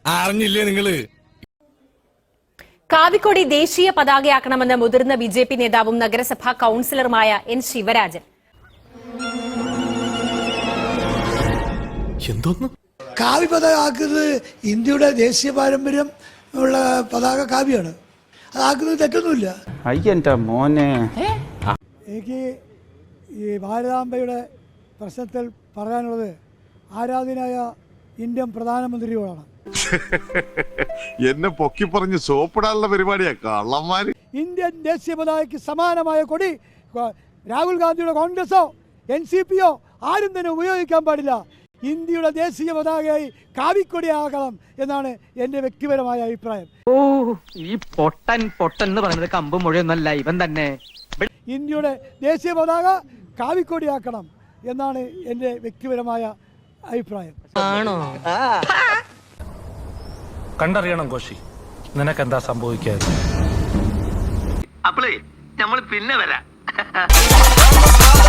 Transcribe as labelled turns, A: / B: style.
A: അറിഞ്ഞില്ലേ നിങ്ങള്?
B: കാവിക്കൊടി ദേശീയ പതാകയാക്കണമെന്ന് മുതിർന്ന ബിജെപി നേതാവും നഗരസഭാ കൌൺസിലറുമായ എൻ ശിവരാജൻ.
C: എന്തോന്ന്
D: കാവി പതാക ആക്കുന്നത് ഇന്ത്യയുടെ ദേശീയ പാരമ്പര്യം ഉള്ള പതാക കാവ്യാണ്. അതാക്കുന്നത് തെറ്റൊന്നുമില്ല.
E: മോനെ
D: എനിക്ക് ഈ ഭാരതാംബയുടെ പ്രശ്നത്തിൽ പറയാനുള്ളത് ആരാധനായ ഇന്ത്യൻ പ്രധാനമന്ത്രിയോടാണ്.
F: എന്നെ പൊക്കി പറഞ്ഞ് സോപ്പിടാനുള്ള പരിപാടിയാ കള്ളന്മാര്.
D: ഇന്ത്യൻ ദേശീയ പതാകയ്ക്ക് സമാനമായ കൊടി രാഹുൽ ഗാന്ധിയുടെ കോൺഗ്രസോ NCPയോ ആരും തന്നെ ഉപയോഗിക്കാൻ പാടില്ല. ഇന്ത്യയുടെ ദേശീയ പതാകയായി കാവിക്കൊടിയാകണം എന്നാണ് എൻ്റെ വ്യക്തിപരമായ അഭിപ്രായം.
G: ഈ പൊട്ടൻ എന്ന് പറയുന്നത് കമ്പ് മുഴയൊന്നല്ല, ഇവൻ തന്നെ.
D: ഇന്ത്യയുടെ ദേശീയ പതാക കാവിക്കൊടിയാക്കണം എന്നാണ് എൻ്റെ വ്യക്തിപരമായ അഭിപ്രായം.
C: കണ്ടറിയണം കോശി, നിനക്കെന്താ സംഭവിക്കാതെ.
G: അപ്പളേ നമ്മൾ പിന്നെ വരാം.